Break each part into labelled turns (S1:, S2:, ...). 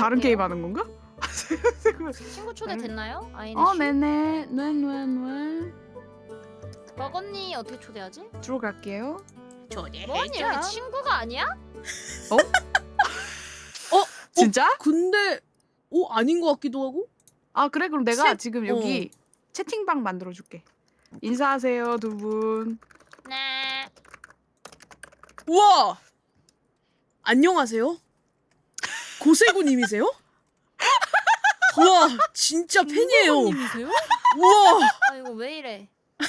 S1: 다른
S2: 갈게요.
S1: 게임 하는 건가?
S2: 친구 초대 됐나요? 아이네 씨.
S1: 네네. 네.
S2: 버거니 어떻게 초대하지?
S1: 들어갈게요.
S2: 버거니 여기 친구가 아니야?
S1: 진짜?
S3: 근데 아닌 것 같기도 하고.
S1: 아 그래? 그럼 내가
S3: 셋-
S1: 지금 여기 채팅방 만들어줄게. 인사하세요 두 분.
S2: 네.
S3: 우와. 안녕하세요. 고세구님이세요? 우와 진짜 팬이에요.
S2: 님이세요?
S3: 우와
S2: 아 이거 왜 이래?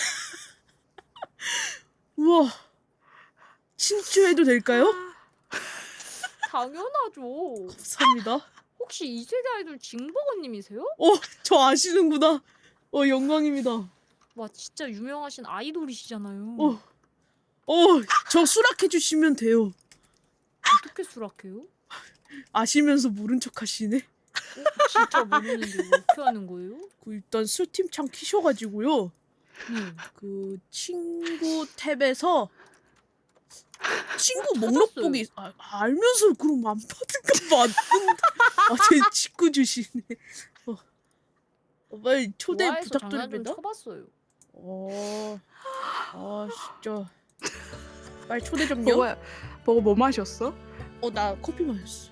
S3: 우와. 친추해도 될까요?
S2: 당연하죠.
S3: 감사합니다.
S2: 혹시 2세대 아이돌 징버거님이세요?
S3: 저 아시는구나. 영광입니다.
S2: 와 진짜 유명하신 아이돌이시잖아요.
S3: 저 수락해 주시면 돼요.
S2: 어떻게 수락해요?
S3: 아시면서 모른 척 하시네.
S2: 진짜 모르는데 뭐 어떻게 하는 거예요?
S3: 일단 스팀창 키셔가지고요. 그 친구 탭에서 친구 목록
S2: 찾았어요.
S3: 보기 알면서 그럼 안 받은가 맞는데. 제 친구 주시네. 빨리 초대
S2: 좋아해서 장난 좀
S3: 부탁드립니다.
S2: 쳐봤어요.
S3: 진짜. 빨리 초대 좀요.
S1: 버거 뭐 마셨어?
S3: 나 커피 마셨어.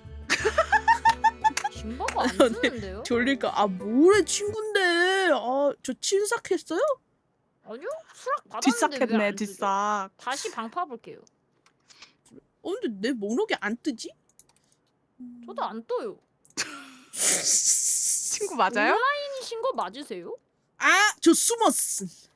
S2: 징버거 안
S3: 네.
S2: 쓰는데요?
S3: 졸릴까? 뭐래 친구인데. 저 친삭했어요?
S2: 아니요? 수락 받았는데
S1: 뒷삭했네
S2: 왜안 뜨죠?
S1: 뒷삭.
S2: 다시 방 파볼게요.
S3: 근데 내 목록이 안 뜨지?
S2: 저도 안 떠요.
S1: 친구 맞아요?
S2: 온라인이신 거 맞으세요?
S3: 저 숨었음.